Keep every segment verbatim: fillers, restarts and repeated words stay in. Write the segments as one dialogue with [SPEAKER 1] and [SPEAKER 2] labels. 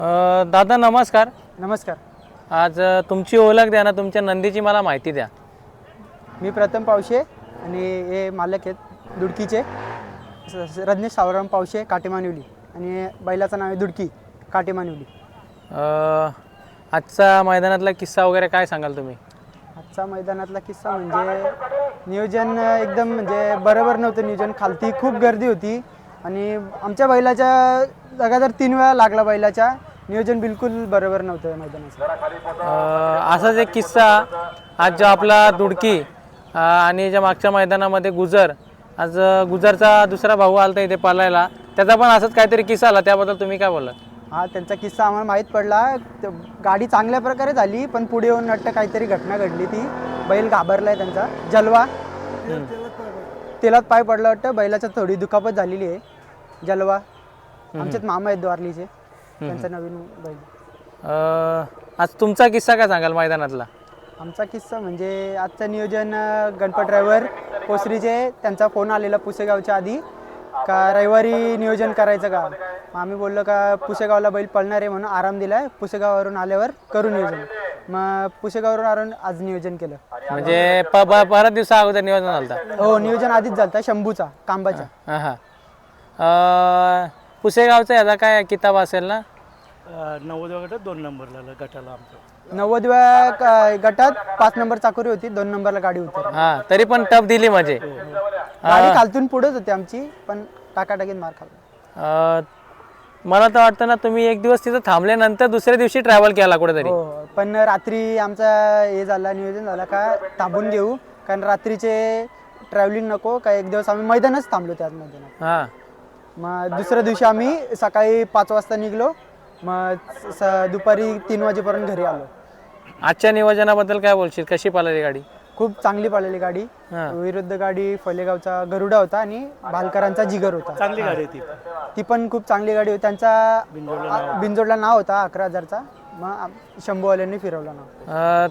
[SPEAKER 1] अ, दादा नमस्कार.
[SPEAKER 2] नमस्कार.
[SPEAKER 1] आज अ, तुमची ओळख द्या ना, तुमच्या नंदीची मला माहिती द्या.
[SPEAKER 2] मी प्रथम पावशे आणि हे मालक आहेत दुडकीचे स- स- रजनीश सावराम पावशे काटेमानिवली आणि बैलाचं नाव आहे दुडकी काटेमानिवली.
[SPEAKER 1] अ, आजचा मैदानातला किस्सा वगैरे काय सांगाल तुम्ही?
[SPEAKER 2] आजचा मैदानातला किस्सा म्हणजे नियोजन एकदम म्हणजे बरोबर नव्हतं. नियोजन खालती खूप गर्दी होती आणि आमच्या बैलाच्या लगातार तीन वेळा लागला. बैलाच्या नियोजन बिलकुल बरोबर नव्हतं मैदानाचं.
[SPEAKER 1] अ, असाच एक किस्सा आज जो आपला दुडकी अ, आणि ज्या मागच्या मैदानामध्ये गुजर, आज अ, गुजरचा दुसरा भाऊ आलता इथे पालायला, त्याचा पण असंच काहीतरी किस्सा आला, त्याबद्दल तुम्ही काय बोललात?
[SPEAKER 2] हा त्यांचा किस्सा आम्हाला माहीत पडला. त- गाडी चांगल्या प्रकारे झाली पण पुढे येऊन वाटतं काहीतरी घटना घडली. ती बैल घाबरलाय त्यांचा जलवा तेलात पाय पडला वाटतं. बैलाच्या थोडी दुखापत झालेली आहे. जलवा आमच्यात मामा आहेत द्वारलीचे, त्यांचा नवीन बैल.
[SPEAKER 1] अ, आज तुमचा किस्सा काय सांगाल मैदानातला?
[SPEAKER 2] आमचा किस्सा म्हणजे आजचं नियोजन अं, गणपत ड्रायव्हर कोसरीचे त्यांचा फोन आलेला पुसेगावच्या आधी का रविवारी नियोजन करायचं का. मग आम्ही बोललो का पुसेगावला बैल पळणार आहे म्हणून आराम दिलाय, पुसेगाववरून आल्यावर करू नियोजन. मग पुसेगाववरून आरून आज नियोजन केलं.
[SPEAKER 1] म्हणजे प ब- बऱ्याच दिवसा अगोदर नियोजन झालं होतं.
[SPEAKER 2] हो नियोजन आधीच झालं शंभूचा कांबाच्या.
[SPEAKER 1] हां हां. अ, पुसेगावचा याचा काय किताब असेल ना?
[SPEAKER 3] नव्वद गटात दोन नंबरला गटाला आमचं.
[SPEAKER 2] नव्वदव्या क- गटात पाच नंबर चाकोरी होती, दोन नंबरला गाडी होती.
[SPEAKER 1] हां, तरी पण टप दिली म्हणजे.
[SPEAKER 2] गाडी खालतून पुढेच होती आमची पण टाकाटाकीत मार खाल्ला.
[SPEAKER 1] अ, मला तर वाटतं ना, तुम्ही एक दिवस तिथं थांबल्यानंतर दुसऱ्या दिवशी ट्रॅव्हल केला कुठेतरी.
[SPEAKER 2] हो पण रात्री आमचा हे झाला नियोजन झाला का थांबून घेऊ, कारण रात्रीचे ट्रॅव्हलिंग नको का. एक दिवस आम्ही मैदानच थांबलो त्याच मैदानात.
[SPEAKER 1] हां.
[SPEAKER 2] मग दुसऱ्या दिवशी आम्ही सकाळी पाच वाजता निघलो. मग स- दुपारी तीन वाजेपर्यंत घरी आलो.
[SPEAKER 1] आजच्या नियोजनाबद्दल काय बोलशील? कशी पाहिली गाडी?
[SPEAKER 2] खूप चांगली पळालेली गाडी.
[SPEAKER 1] हां.
[SPEAKER 2] विरुद्ध गाडी फलेगावचा गरुडा होता आणि भालकरांचा जिगर होता.
[SPEAKER 3] चांगली गाडी आहे ती.
[SPEAKER 2] ती पण खूप चांगली गाडी होती. त्यांचा आ- बिनजोडला नाव होता अकरा हजारचा. मग आम- शंभूवाल्यांनी फिरवला नाव.
[SPEAKER 1] अ,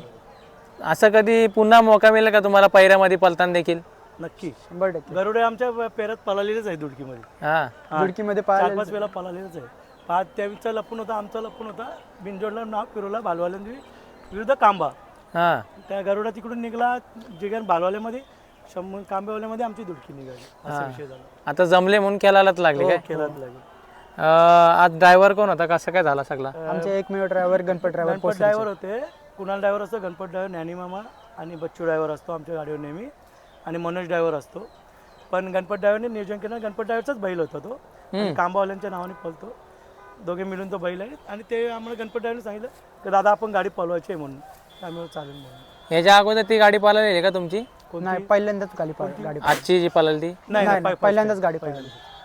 [SPEAKER 1] असं कधी पुन्हा मौका मिळेल का तुम्हाला पैऱ्यामध्ये पलताना देखील?
[SPEAKER 3] नक्की
[SPEAKER 2] शंभर टक्के
[SPEAKER 3] गरुडे आमच्या पेरात पळालेलेच आहे दुडकीमध्ये.
[SPEAKER 1] हां.
[SPEAKER 2] दुडकीमध्ये
[SPEAKER 3] चार
[SPEAKER 2] पाहिलं.
[SPEAKER 3] पाच वेळा पळालेलेच आहे. पाच त्याचा लपून होता, आमचा लपून होता. बिनजोडला नाव फिरवला भालवाल्यांनी विरुद्ध कांबा.
[SPEAKER 1] हां.
[SPEAKER 3] त्या गरुडा तिकडून निघाला जिगन भालवाल्यामध्ये, शंभर कांबेवाल्यामध्ये आमची दुडकी निघाली. असा विषय झाला.
[SPEAKER 1] आता जमले म्हणून खेळायलाच लागले काय?
[SPEAKER 3] खेळात लागेल.
[SPEAKER 1] अ, आज ड्रायव्हर कोण होता? कसं काय झाला सगळा?
[SPEAKER 2] आमचे एकमेव driver Ganpat driver
[SPEAKER 3] Ganpat driver होते. कुणाल ड्रायव्हर असतो, गणपत ड्रायव्हर, ज्ञानी मामा आणि बच्चू ड्रायव्हर असतो आमच्या गाडीवर नेहमी, आणि मनोज ड्रायव्हर असतो. पण गणपत ड्रायव्हरने नियोजन केलं. गणपत ड्रायव्हरचाच बैल होता तो आणि कांबावाल्यांच्या नावाने पळतो. दोघे मिळून तो बैल आहे. आणि ते आम्हाला गणपत ड्रायव्हरने सांगितलं की दादा आपण गाडी पळवायची आहे म्हणून. त्यामुळे चालेल म्हणून.
[SPEAKER 1] याच्या अगोदर ती गाडी पाहिलेली आहे का तुमची?
[SPEAKER 2] नाही पहिल्यांदाच गाडी पळ- गाडी
[SPEAKER 1] आजची जी पळाली ती?
[SPEAKER 3] नाही
[SPEAKER 2] नाही,
[SPEAKER 3] नाही,
[SPEAKER 2] पहिल्यांदाच गाडी पळाली.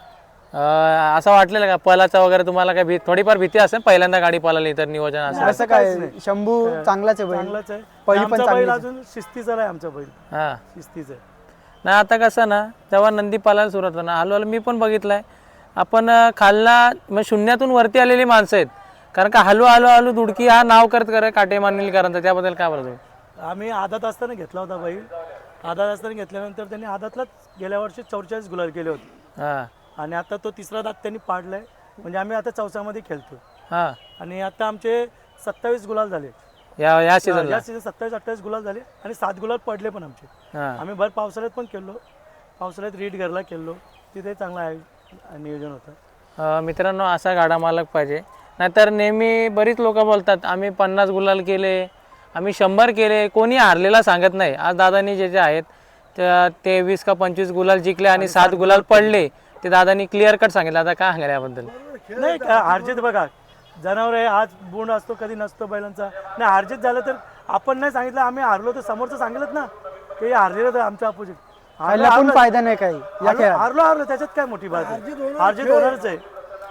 [SPEAKER 1] अ, असं वाटलेलं का पलाचा वगैरे तुम्हाला काय भी थोडीफार भीती असेल पहिल्यांदा गाडी पळाली तर नियोजन असं?
[SPEAKER 2] असं काय शंभू चांगलाच आहे बैल.
[SPEAKER 3] चांगलाच आहे.
[SPEAKER 2] पहिली पण
[SPEAKER 3] आमचा बैल
[SPEAKER 2] चांगलीच
[SPEAKER 3] अजून शिस्तीचा आहे. आमचा बैल
[SPEAKER 1] हां.
[SPEAKER 3] शिस्तीचा आहे.
[SPEAKER 1] नाही आता कसं ना, जेव्हा नंदी पालायला सुरुवात होतं ना, हळूहळू मी पण बघितलंय आपण अ, खालना म्हणजे शून्यातून वरती आलेली माणसं आहेत. कारण का हलू हलू हलू दुडकी हा नाव करत करे काटे मानलेकरांचा, त्याबद्दल काय बोलतो?
[SPEAKER 3] आम्ही आदात असताना घेतला होता बैल. आदात असताना घेतल्यानंतर त्यांनी आदातलाच गेल्या वर्षी चौवेचाळीस गुलाल केले होते.
[SPEAKER 1] हां.
[SPEAKER 3] आणि आता तो तिसरा दात त्यांनी पाडलाय. म्हणजे आम्ही आता चौसामध्ये खेळतो.
[SPEAKER 1] हां.
[SPEAKER 3] आणि आता आमचे सत्तावीस गुलाल झाले.
[SPEAKER 1] या या सीझनला?
[SPEAKER 3] या सीझन सत्तावीस अठ्ठावीस गुलाल झाले आणि सात गुलाल पडले पण आमचे.
[SPEAKER 1] हां.
[SPEAKER 3] आम्ही भर पावसाळ्यात पण खेळलो. पावसाळ्यात रीड घरला खेळलो. तिथे चांगलं आहे नियोजन होतं.
[SPEAKER 1] अ, मित्रांनो असा गाडा मालक पाहिजे. नाहीतर नेहमी बरीच लोक बोलतात आम्ही पन्नास गुलाल केले, आम्ही शंभर केले, कोणी हारलेला सांगत नाही. आज दादानी जे जे आहेत त्या ते वीस का पंचवीस गुलाल जिंकले आणि सात गुलाल पडले, ते दादानी क्लिअर कट सांगितलं. आता काय सांगाल याबद्दल?
[SPEAKER 3] नाही का हारजीत बघा, जनावर आहे, आज बोंड असतो कधी नसतो बैलांचा. नाही हारजीत झालं तर आपण नाही सांगितलं आम्ही हारलो तर समोरचं सांगितलं ना की हारलेलं तर आमच्या अपोजिट.
[SPEAKER 2] हारला पण फायदा नाही काही या खेळात.
[SPEAKER 3] हारलो हारलो त्याच्यात काय मोठी बात आहे. हारजीत होणारच आहे.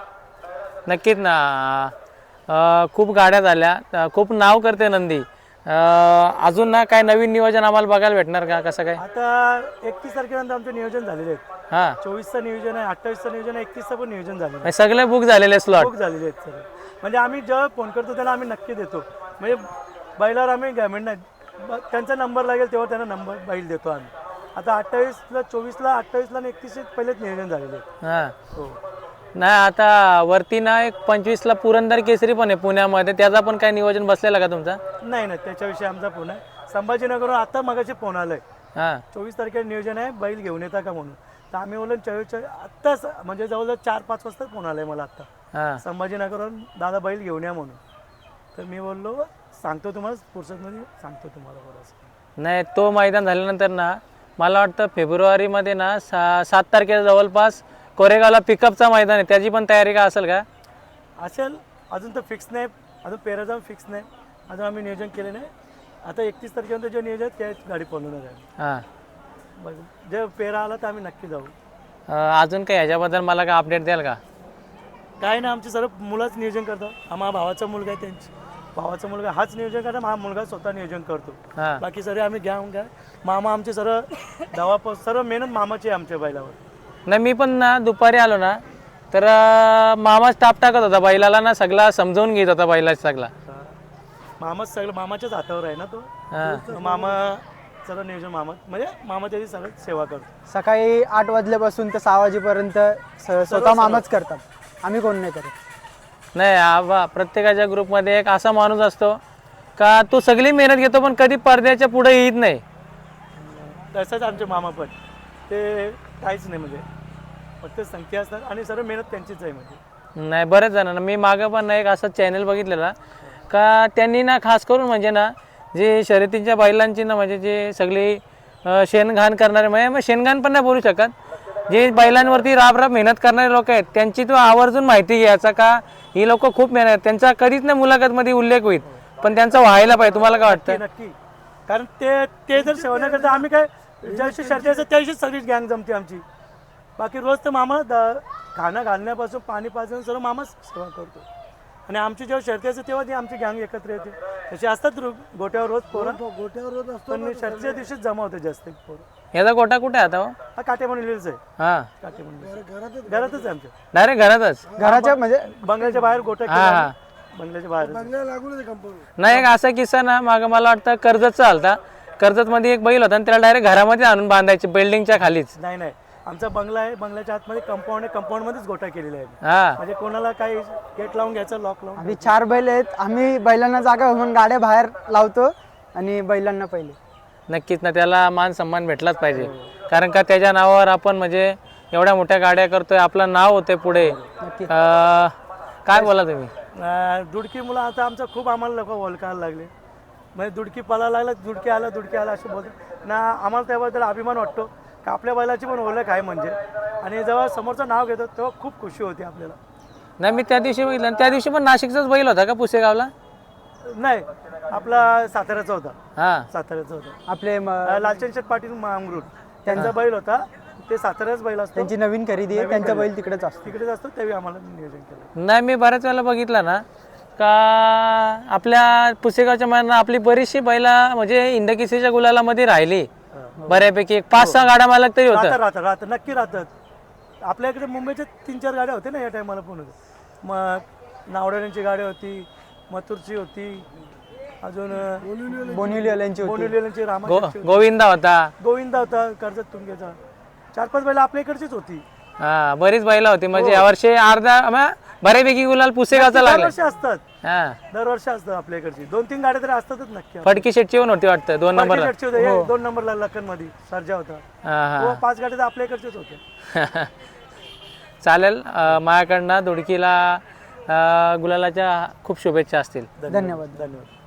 [SPEAKER 1] नक्कीच ना. अ, खूप गाड्या झाल्या, अ, खूप नाव करते नंदी. अ, अजून ना काय नवीन नियोजन आम्हाला बघायला भेटणार का? कसं काय?
[SPEAKER 3] आता एकतीस तारखेनंतर आमचे नियोजन झालेले आहेत.
[SPEAKER 1] हां.
[SPEAKER 3] चोवीसचं नियोजन आहे, अठ्ठावीसचं नियोजन आहे, एकतीसचं पण नियोजन झालेलं आहे.
[SPEAKER 1] म्हणजे सगळे बुक झालेले स्लॉट?
[SPEAKER 3] खूप झालेले आहेत सगळे. म्हणजे आम्ही जेव्हा फोन करतो त्याला आम्ही नक्की देतो. म्हणजे बैलावर आम्ही गॅमेंट नाही, ब- त्यांचा नंबर लागेल तेव्हा त्यांना नंबर बैल देतो आम्ही. आता अठ्ठावीसला चोवीसला अठ्ठावीसला आणि एकतीसचे पहिलेच नियोजन झालेले आहेत.
[SPEAKER 1] हां.
[SPEAKER 3] हो.
[SPEAKER 1] नाही आता वरती ना एक पंचवीसला पुरंदर केसरी पण आहे पुण्यामध्ये, त्याचा पण काय नियोजन बसलेला का तुमचा?
[SPEAKER 3] नाही नाही त्याच्याविषयी आमचा फोन आहे. संभाजीनगरवरून आता मगाशी फोन आलाय,
[SPEAKER 1] हां
[SPEAKER 3] चोवीस तारखेला नियोजन आहे बैल घेऊन येता का म्हणून. तर आम्ही बोललो चोवीस आत्ताच म्हणजे जवळजवळ चार पाच वाजता फोन आलाय मला आत्ता
[SPEAKER 1] हां
[SPEAKER 3] संभाजीनगरवरून, दादा बैल घेऊन या म्हणून. तर मी बोललो सांगतो तुम्हाला फुर्सतमध्ये सांगतो तुम्हाला बरं.
[SPEAKER 1] नाही तो मैदान झाल्यानंतर ना मला वाटतं फेब्रुवारीमध्ये ना सा सात तारखेला जवळपास कोरेगावला पिकअपचा मैदान आहे, त्याची पण तयारी का असेल का?
[SPEAKER 3] असेल, अजून तर फिक्स नाही, अजून पेरा जाऊन फिक्स नाही, अजून आम्ही नियोजन केले नाही. आता एकतीस तारखेनंतर जे नियोजन आहे त्याच गाडी पळवणार आहे.
[SPEAKER 1] हां
[SPEAKER 3] बघ जे पेरा आला तर आम्ही नक्की जाऊ.
[SPEAKER 1] अं, अजून काही ह्याच्याबद्दल मला काय अपडेट द्याल का?
[SPEAKER 3] काय ना आमचे सर्व मुलंच नियोजन करतात. आम्हा भावाचा मुलगा आहे, त्यांची भावाचा मुलगा हाच नियोजन करतो, हा मुलगा स्वतः नियोजन करतो.
[SPEAKER 1] हां
[SPEAKER 3] बाकी सर्व आम्ही घ्या घ्या मामा आमचे सर्व दवा सर्व मेहनत मामाची आहे आमच्या बैलावर.
[SPEAKER 1] नाही मी पण ना दुपारी आलो ना तर अं, मामा स्टाफ टाकत होता बैलाला ना, सगळा समजावून घेत होता बैला सगळा.
[SPEAKER 3] मामाच सगळं मामाच्याच हातावर आहे ना तो.
[SPEAKER 1] हां
[SPEAKER 3] मामा सर्व नियोजन मामा म्हणजे मामा त्याची सगळं सेवा करतो.
[SPEAKER 2] सकाळी आठ वाजल्यापासून तर सहा वाजेपर्यंत स- स्वतः मामाच करतात, आम्ही कोण नाही करत.
[SPEAKER 1] नाही आबा प्रत्येकाच्या ग्रुपमध्ये एक असा माणूस असतो का तो सगळी मेहनत घेतो पण कधी पडद्याच्या पुढे येत नाही.
[SPEAKER 3] तसंच आमचे मामा पण ते काहीच नाही म्हणजे फक्त संख्या असतात आणि सर्व मेहनत त्यांचीच आहे म्हणजे.
[SPEAKER 1] नाही बरेच जणांना मी मागं पण ना एक असा चॅनल बघितलेला का त्यांनी ना खास करून म्हणजे ना जे शर्यतीच्या बैलांची ना म्हणजे जे सगळी अं, शेणघाण करणारे म्हणजे मग शेणघाण पण नाही बोलू शकत, जे बैलांवरती राब राब मेहनत करणारे लोक आहेत त्यांची तो आवर्जून माहिती घ्यायचा का ही लोक खूप मेहनत, त्यांचा कधीच नाही मुलाखतमध्ये उल्लेख होईल पण त्यांचा व्हायला पाहिजे. तुम्हाला काय वाटतं?
[SPEAKER 3] नक्की, कारण ते ते जर सेवा नाही करता आम्ही काय ज्या दिवशी शर्ती असतात त्या दिवशी सगळीच गँग जमते आमची. बाकी रोज तर मामा द खाणं घालण्यापासून पाणी पाजून सर्व मामाच सेवा करतो. आणि आमची जेव्हा शर्ती असते तेव्हा ती आमची गँग एकत्र येते. तशी असतात रो- गोट्यावर रोज पोरं, गोट्यावर रोज असतो पण शर्तीच्या दिवशीच जमा होते जास्त पोरं.
[SPEAKER 1] याचा गोटा कुठे आहे आता हो?
[SPEAKER 3] हा काटे म्हणून लिहिलंच आहे.
[SPEAKER 1] हां
[SPEAKER 3] काटे म्हणून घरातच आहे आमच्या,
[SPEAKER 1] डायरेक्ट घरातच.
[SPEAKER 2] घराच्या म्हणजे
[SPEAKER 3] बंगल्याच्या बाहेर गोटा
[SPEAKER 1] हां हां
[SPEAKER 3] बंगल्याच्या बाहेर.
[SPEAKER 1] नाही एक असा किस्सा ना मागं मला वाटतं कर्जतचा आलता, कर्जतमध्ये एक बैल होता आणि त्याला डायरेक्ट घरामध्ये आणून बांधायचे बिल्डिंगच्या खालीच.
[SPEAKER 3] नाही नाही आमचा बंगला आहे, बंगल्याच्या आतमध्ये कंपाऊंड आहे, कंपाऊंड मध्येच गोटा केलेला आहे.
[SPEAKER 1] हां
[SPEAKER 3] म्हणजे कोणाला काही गेट लावून घ्यायचं, लॉक लावून.
[SPEAKER 2] आम्ही चार बैल आहेत, आम्ही बैलांना जागा म्हणून गाड्या बाहेर लावतो आणि बैलांना पहिले.
[SPEAKER 1] नक्कीच ना, त्याला मान सन्मान भेटलाच पाहिजे कारण का त्याच्या नावावर आपण म्हणजे एवढ्या मोठ्या गाड्या करतोय, आपलं नाव होते पुढे.
[SPEAKER 2] नक्की.
[SPEAKER 1] अं, काय बोला तुम्ही?
[SPEAKER 3] अं, दुडकी मुलं आता आमचं खूप आम्हाला लोक ओळखायला लागले. म्हणजे दुडकी पळायला लागला, दुडकी आला दुडकी आला असं बोलतो ना. आम्हाला त्याबद्दल अभिमान वाटतो का आपल्या बैलाची पण ओळख आहे म्हणजे. आणि जेव्हा समोरचं नाव घेतो तेव्हा खूप खुशी होती आपल्याला.
[SPEAKER 1] नाही मी त्या दिवशी बघितलं आणि त्या दिवशी पण नाशिकचाच बैल होता का पुसेगावला?
[SPEAKER 3] नाही आपला साताऱ्याचा होता,
[SPEAKER 1] हां
[SPEAKER 3] साताऱ्याचा होता.
[SPEAKER 2] आपले म-
[SPEAKER 3] अं, लालचंद शेठ पाटील मांगरूळ त्यांचा बैल होता, ते साताऱ्याच बैल असतो,
[SPEAKER 2] त्यांची नवीन खरेदी आहे, त्यांचा बैल तिकडेच असतो.
[SPEAKER 3] तिकडेच असतो. त्यावेळी आम्हाला नियोजन केलं.
[SPEAKER 1] नाही मी बऱ्याच वेळेला बघितलं ना का आपल्या पुसेगावच्या मैदानात आपली बरीचशी बैला म्हणजे इंदकिसीच्या गुलालामध्ये राहिली बऱ्यापैकी. एक पाच सहा गाड्या मालक तरी
[SPEAKER 3] राहतात
[SPEAKER 1] होतं.
[SPEAKER 3] राहतात राहतात नक्की राहतात. आपल्या इकडे मुंबईच्या तीन चार गाड्या होत्या ना या टायमाला पण. मग नावड्यांची गाडी होती, मथुरची होती, अजून
[SPEAKER 2] बोनिवलीवाल्यांची होती.
[SPEAKER 3] बोनिवलीची रामा
[SPEAKER 1] गो गोविंदा होता.
[SPEAKER 3] गोविंदा होता कर्जत तुंगेचा. चार पाच बैल आपल्या इकडचीच होती.
[SPEAKER 1] हा बरीच बैला होती म्हणजे यावर्षी अर्धा म- बऱ्यापैकी गुलाल पुसेगावचा लागला.
[SPEAKER 3] दरवर्षी असतात,
[SPEAKER 1] हा
[SPEAKER 3] दरवर्षी असतात आपल्या इकडची. दोन तीन गाड्या तरी असतातच नक्की.
[SPEAKER 1] फडकी शेटची पण होती वाटतं दोन नंबरला.
[SPEAKER 3] फडके शेटची होते, एक दोन नंबरला लखन मध्ये सर्जा होता.
[SPEAKER 1] हा
[SPEAKER 3] हो,
[SPEAKER 1] हा
[SPEAKER 3] पाच गाड्या तर आपल्या इकडच्याच होत्या.
[SPEAKER 1] चालेल. अं, माझ्याकडनं दुडकीला अं, गुलालाच्या खूप शुभेच्छा असतील.
[SPEAKER 2] धन्यवाद.
[SPEAKER 3] धन्यवाद.